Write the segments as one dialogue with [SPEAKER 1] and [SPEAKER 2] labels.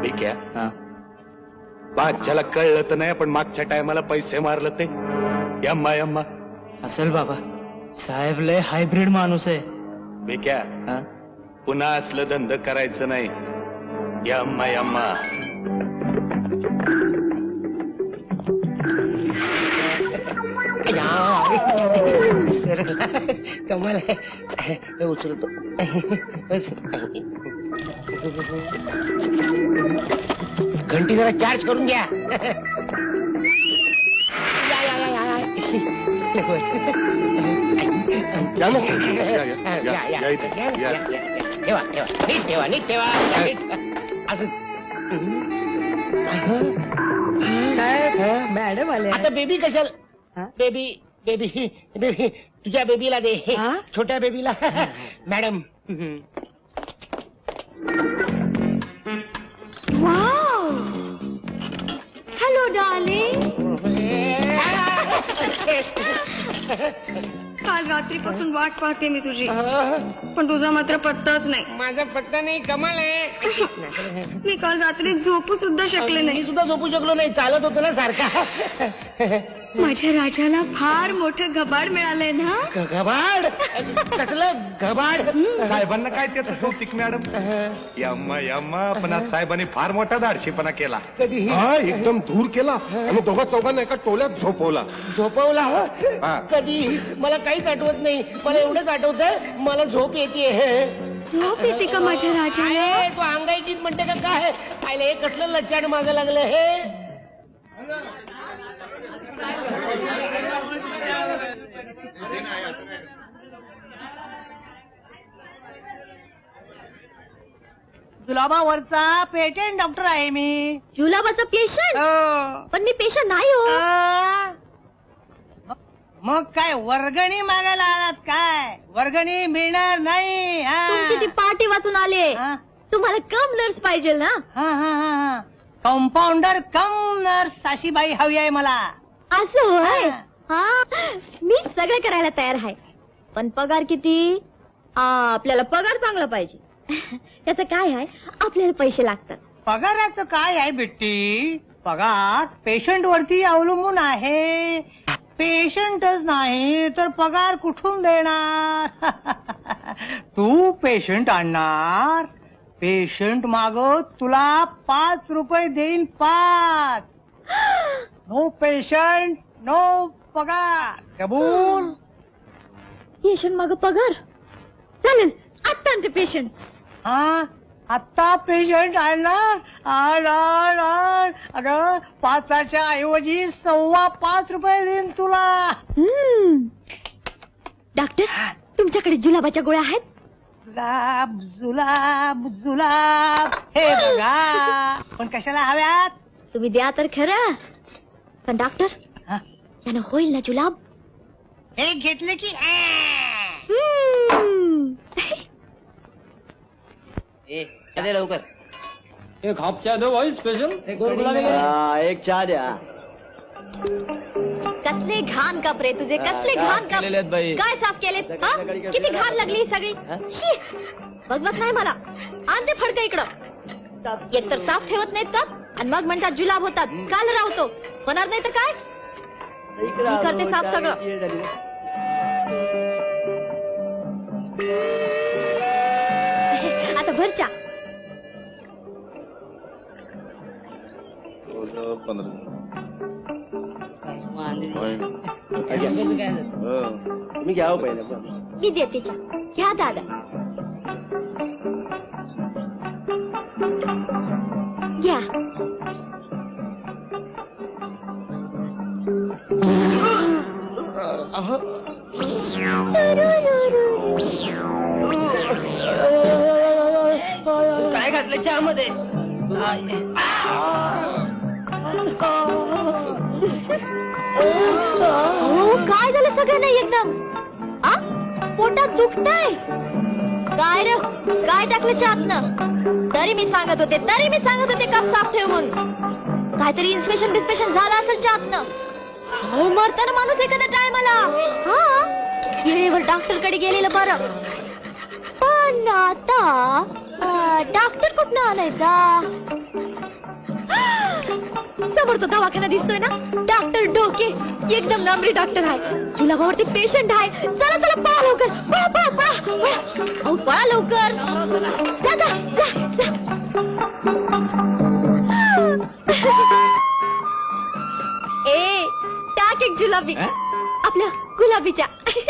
[SPEAKER 1] ठीक आहे. बादशाला कळलं तर नाही, पण मागच्या टायमाला पैसे मारलं ते यम्मा यम्मा
[SPEAKER 2] असेल बाबा. साहेब लय हायब्रिड माणूस आहे.
[SPEAKER 1] बेक्या पुन्हा असलं धंद करायचं नाही. यम्मा यम्मा.
[SPEAKER 3] कमाल आहे. उचलतो. घंटी जरा चार्ज करून घ्या. ठेवा ठेवा नीट ठेवा नीट ठेवा. असं
[SPEAKER 2] मॅडम आले.
[SPEAKER 3] आता बेबी कशाला? बेबी बेबी बेबी तुझ्या बेबीला दे. छोट्या बेबीला. Madam
[SPEAKER 4] hello darling. काल रात्रीपासून वाट पाहते मी तुझी, पण तुझा मात्र पत्ताच नाही.
[SPEAKER 3] माझा पत्ता नाही. कमाल आहे.
[SPEAKER 4] मी काल रात्री झोपू सुद्धा शकले
[SPEAKER 3] मी
[SPEAKER 4] नाही.
[SPEAKER 3] सुद्धा झोपू शकलो नाही. चालत होतो ना सारखा.
[SPEAKER 4] माझ्या राजाला फार मोठं घबाड मिळालंय ना.
[SPEAKER 3] घबाड? कसलं घबाड?
[SPEAKER 1] साहेबांना काय त्याचं कौतिक मॅडम. यम्मा यम्मा. पण आज साहेबांनी फार मोठा धाडशीपणा केला.
[SPEAKER 3] कधी?
[SPEAKER 1] एकदम दूर केला आणि दोघा चौघांना एका टोल्यात झोपवला.
[SPEAKER 3] झोपवला?
[SPEAKER 1] हा.
[SPEAKER 3] कधी? मला काहीच आठवत नाही. मला एवढंच आठवतंय मला झोप येते.
[SPEAKER 4] झोप येते का माझ्या राजाला?
[SPEAKER 3] तू अंगाईकीत म्हणते का काय? पाहिलं हे कसलं लच्चाड मागं लागलं हे.
[SPEAKER 2] जुलाबावरचा पेटेंट डॉक्टर आहे मी.
[SPEAKER 4] जुलाबाचा पेशंट? पण मी पेशंट नाही हो.
[SPEAKER 2] मग काय वर्गणी मागायला आलात काय? वर्गणी मिळणार नाही.
[SPEAKER 4] तुमची ती पार्टी वाचून आले. तुम्हाला कम नर्स पाहिजे ना.
[SPEAKER 2] कंपाऊंडर कम नर्स अशी बाई हवी आहे मला.
[SPEAKER 4] असं होय. मी सगळं करायला तयार आहे, पण पगार किती? आपल्याला पगार चांगला पाहिजे. त्याचं काय आहे, आपल्याला पैसे लागतात.
[SPEAKER 2] पगाराचं काय आहे बिट्टी? पगार पेशंट वरती अवलंबून आहे. पेशंटच नाही तर पगार कुठून देणार? तू पेशंट आणणार, पेशंट माग तुला 5 रुपये देईन. 5. नो पेशंट नो पगार. कबूल?
[SPEAKER 4] पेशंट माग पगार? चालेल, आता आणते पेशंट.
[SPEAKER 2] आता पेशंट आणणार. अगं 5च्या ऐवजी 5.25 रुपये देईन तुला.
[SPEAKER 4] डॉक्टर, तुमच्याकडे जुलाबाच्या गोळ्या आहेत?
[SPEAKER 2] जुलाब जुलाब जुलाब. हे बघा. पण कशाला हव्यात?
[SPEAKER 4] तुम्ही द्या तर खरं. पण डॉक्टर, त्यानं होईल ना जुलाब?
[SPEAKER 2] हे घेतले की
[SPEAKER 3] लवकर
[SPEAKER 5] एक हाफ चहा दो भाई स्पेशल.
[SPEAKER 3] एक चहा द्या.
[SPEAKER 4] कसले घाण कपडे तुझे, कसले घाण कपडे. काय साफ केले? किती घाण लागली सगळी. शी. बघवत नाही मला. आणते फडकं इकडं. एक तर साफ ठेवत नाहीत का, आणि मग म्हणतात जुलाब होतात. काल राहतो होणार नाही तर काय? मी करते साफ सगळं. आता भर चहा.
[SPEAKER 3] तुम्ही घ्या पहिले.
[SPEAKER 4] मी देते चहा. घ्या दादा. घ्या.
[SPEAKER 3] काय घातलं चहामध्ये?
[SPEAKER 4] काय झालं सगळ्यांना एकदम? पोटात दुखतंय काय रे? काय टाकलं चहातनं? तरी मी सांगत होते कप साफ ठेव म्हणून. काहीतरी इन्स्पेक्शन बिस्पेशन झालं असेल चहातनं. मरताना माणूस एखाद्या टायमाला. वेळेवर डॉक्टर कडे गेलेलं बरं. पण आता डॉक्टर कुठनं आणायचा? समोर तो दवाखाना दिसतोय ना, डॉक्टर डोके एकदम नंबरी डॉक्टर आहे. जुलाबावरती पेशंट आहे. चला चला पळा लवकर, पळा पळा पळा पळा. अहो पळा लवकर. जा जा जा जा. ए टाक एक जुलाबी आपल्या गुलाबीच्या.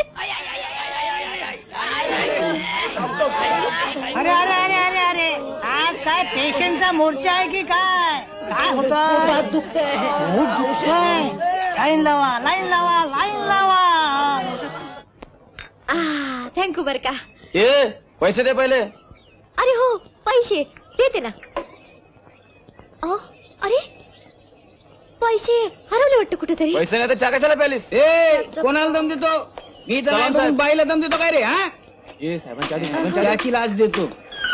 [SPEAKER 2] अरे अरे अरे अरे अरे आज काय पेशंटचा मोर्चा आहे की काय? काय होतं?
[SPEAKER 4] दुखतंय.
[SPEAKER 2] खूप दुखतंय. लाईन लावा, लाईन लावा, लाईन लावा.
[SPEAKER 4] थँक्यू बर का.
[SPEAKER 5] ये पैसे दे पहिले.
[SPEAKER 4] अरे हो पैसे देते ना. अरे पैसे हरवले वाटतं कुठेतरी.
[SPEAKER 5] पैसे नाही तर चहा कशाला प्यालीस?
[SPEAKER 3] कोणाला दम देतो मी तर नाही बघून बाईला दम देतो काय रे? हा
[SPEAKER 5] ये साहेबांच्या
[SPEAKER 3] त्याची लाच देतो.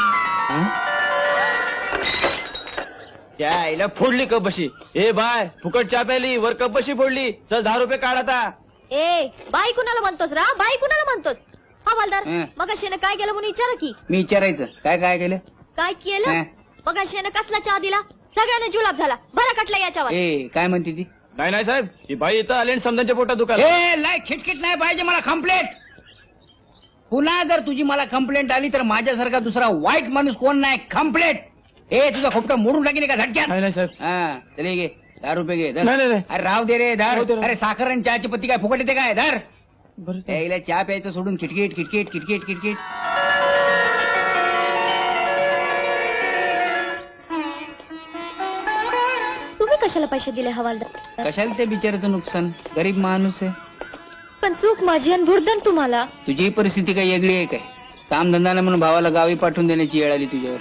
[SPEAKER 5] त्या आईला फोडली कप बशी. ए बाय फुकट चहा प्याली वर कप बशी फोडली. चल 10 रुपये काढ आता.
[SPEAKER 4] ए बाई कुणाला म्हणतोस रा? बाई कुणाला म्हणतोस? हवालदार
[SPEAKER 3] हं.
[SPEAKER 4] मग शेनं काय केलं म्हणून विचारा की.
[SPEAKER 3] मी विचारायचं काय काय केलं?
[SPEAKER 4] काय केलं?
[SPEAKER 3] हं.
[SPEAKER 4] मग शेनं कसला चहा दिला? सगळ्यांना जुलाब झाला. बरा कटला याच्यावर.
[SPEAKER 3] ए काय म्हणते ती?
[SPEAKER 5] नाही साहेब ही बाई इथं आली आणि समजांच्या पोटात दुखायला.
[SPEAKER 3] ए लाय खिटखिट नाही पाहिजे मला कंप्लेंट. पुन्हा जर तुझी मला कंप्लेंट आली तर माझ्यासारखा दुसरा वाईट माणूस कोण नाही. कंप्लेंट. ए तुझा खोपटा मोडून टाकीन का झटक्यात?
[SPEAKER 5] नाही साहेब.
[SPEAKER 3] हा चले घे 10 रुपये घे. धर.
[SPEAKER 5] नाही, नाही.
[SPEAKER 3] अरे राव दे रे धर.
[SPEAKER 5] राहू दे, राहू दे.
[SPEAKER 3] अरे साखर आणि चहाची पत्ती काय फुकट येते काय? धर.
[SPEAKER 5] बरं साहेब.
[SPEAKER 3] यायला चहा प्यायचं सोडून किटकिट किटकिट किटकिट किटकिट.
[SPEAKER 4] तुम्ही कशाला पैसे दिले हवालदार?
[SPEAKER 3] कशाला ते बिचाराचं नुकसान? गरीब माणूस आहे.
[SPEAKER 4] पण चूक माझी आणि भुर्दन तुम्हाला.
[SPEAKER 3] तुझी परिस्थिती काही वेगळी आहे काय? काम धंदा नाही म्हणून भावाला गावी पाठवून देण्याची वेळ आली तुझ्यावर.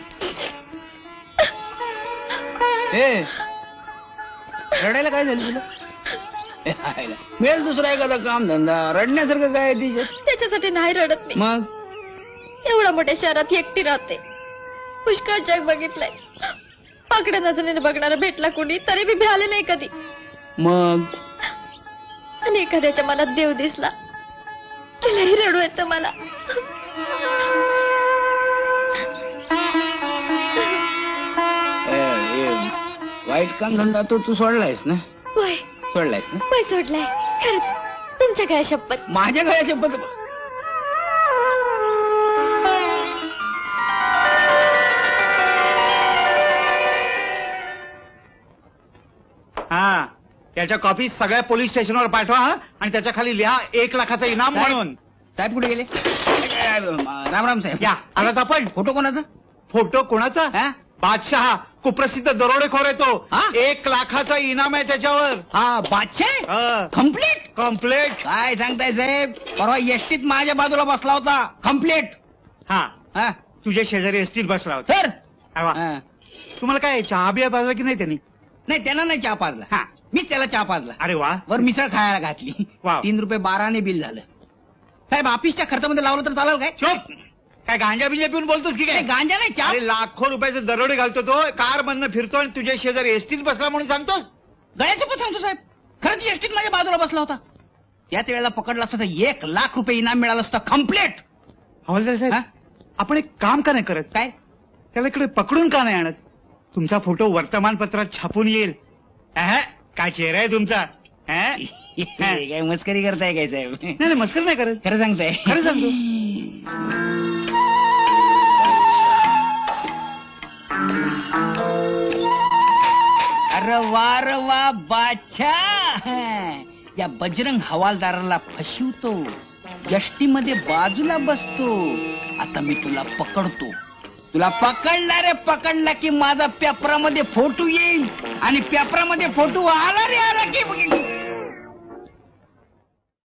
[SPEAKER 3] ए रडायला काय झालं तुला? मिळेल दुसरा एखादा काम धंदा. रडण्यासारखं काय आहे तिच्यात?
[SPEAKER 4] त्याच्यासाठी नाही रडत मी.
[SPEAKER 3] मग
[SPEAKER 4] एवढ्या मोठ्या शहरात एकटी राहते. पुष्कळ जग बघितलंय. पाकड्या नजरेने बघणारा भेटला कोणी तरी मी भ्याले नाही कधी.
[SPEAKER 3] मग
[SPEAKER 4] आणि एखाद्याच्या मनात देव दिसला त्यालाही रडू येतं मला.
[SPEAKER 3] वाईट काम धंदा तू सोडलायस ना?
[SPEAKER 4] होय
[SPEAKER 3] सोडलायस ना?
[SPEAKER 4] होय सोडलाय खरंच. तुमच्या काय शपथ.
[SPEAKER 3] माझ्या गळ्या शपथ.
[SPEAKER 1] हा त्याच्या कॉपी सगळ्या पोलीस स्टेशनवर पाठवा हा? आणि त्याच्या खाली लिहा 1 लाखाचं इनाम म्हणून.
[SPEAKER 3] साहेब कुठे गेले? राम राम साहेब.
[SPEAKER 1] या आलात आपण.
[SPEAKER 3] फोटो कोणाचा?
[SPEAKER 1] फोटो कोणाचा?
[SPEAKER 3] हा?
[SPEAKER 1] बादशहा कुप्रसिद्ध दरोडेखोर आहे तो.
[SPEAKER 3] हा?
[SPEAKER 1] 1 लाखाचा इनाम आहे त्याच्यावर.
[SPEAKER 3] हा बादशाह कम्प्लीट.
[SPEAKER 1] कम्प्लेट.
[SPEAKER 3] काय सांगताय साहेब? परवा एसटीत माझ्या बाजूला बसला होता. कम्प्लीट.
[SPEAKER 1] हा
[SPEAKER 3] हा
[SPEAKER 1] तुझ्या शेजारी असतील बसला होता.
[SPEAKER 3] सर.
[SPEAKER 1] अरे वा.
[SPEAKER 3] हा.
[SPEAKER 1] तुम्हाला काय चहा बिया पाजला की नाही त्यांनी?
[SPEAKER 3] नाही त्यांना नाही चहा पाजला.
[SPEAKER 1] हा.
[SPEAKER 3] मीच त्याला चहा पाजला.
[SPEAKER 1] अरे वा.
[SPEAKER 3] वर मिसळ खायला घातली.
[SPEAKER 1] वाव.
[SPEAKER 3] 3 रुपये 12 बिल झालं. साहेब ऑफिसच्या खर्चामध्ये लावलं तर चालेल काय?
[SPEAKER 1] चुप. काय गांजा बिंजा पिऊन बोलतोस की
[SPEAKER 3] नाही,
[SPEAKER 1] काय?
[SPEAKER 3] गांजा नाही चहा.
[SPEAKER 1] अरे लाखो रुपयाचे दरोडे घालतो तो. कार मधनं फिरतो आणि तुझ्या शेजारी एसटीत बसला म्हणून सांगतोस?
[SPEAKER 3] गळ्यासोबत सांगतो साहेब. खरंच एसटीत माझ्या बाजूला बसला होता. त्याच वेळेला पकडला असता तर 1 लाख रुपये इनाम मिळालं असतं. कम्प्लीट.
[SPEAKER 1] हवालदार साहेब
[SPEAKER 3] हा?
[SPEAKER 1] आपण एक काम का नाही करत?
[SPEAKER 3] काय?
[SPEAKER 1] त्याला इकडे पकडून का नाही आणत? तुमचा फोटो वर्तमानपत्रात छापून येईल. काय चेहरा आहे तुमचा.
[SPEAKER 3] काय मस्करी करताय काय साहेब?
[SPEAKER 1] नाही मस्कर नाही करत.
[SPEAKER 3] खरं सांगताय?
[SPEAKER 1] खरं सांगतो.
[SPEAKER 3] अरे वा बादशाह. या बजरंग हवालदाराला फसवतो. यष्टीमध्ये बाजूला बसतो. आता मी तुला पकडतो. तुला पकडला की माझा पेपरामध्ये फोटो येईल आणि पेपरामध्ये फोटो आला रे आला की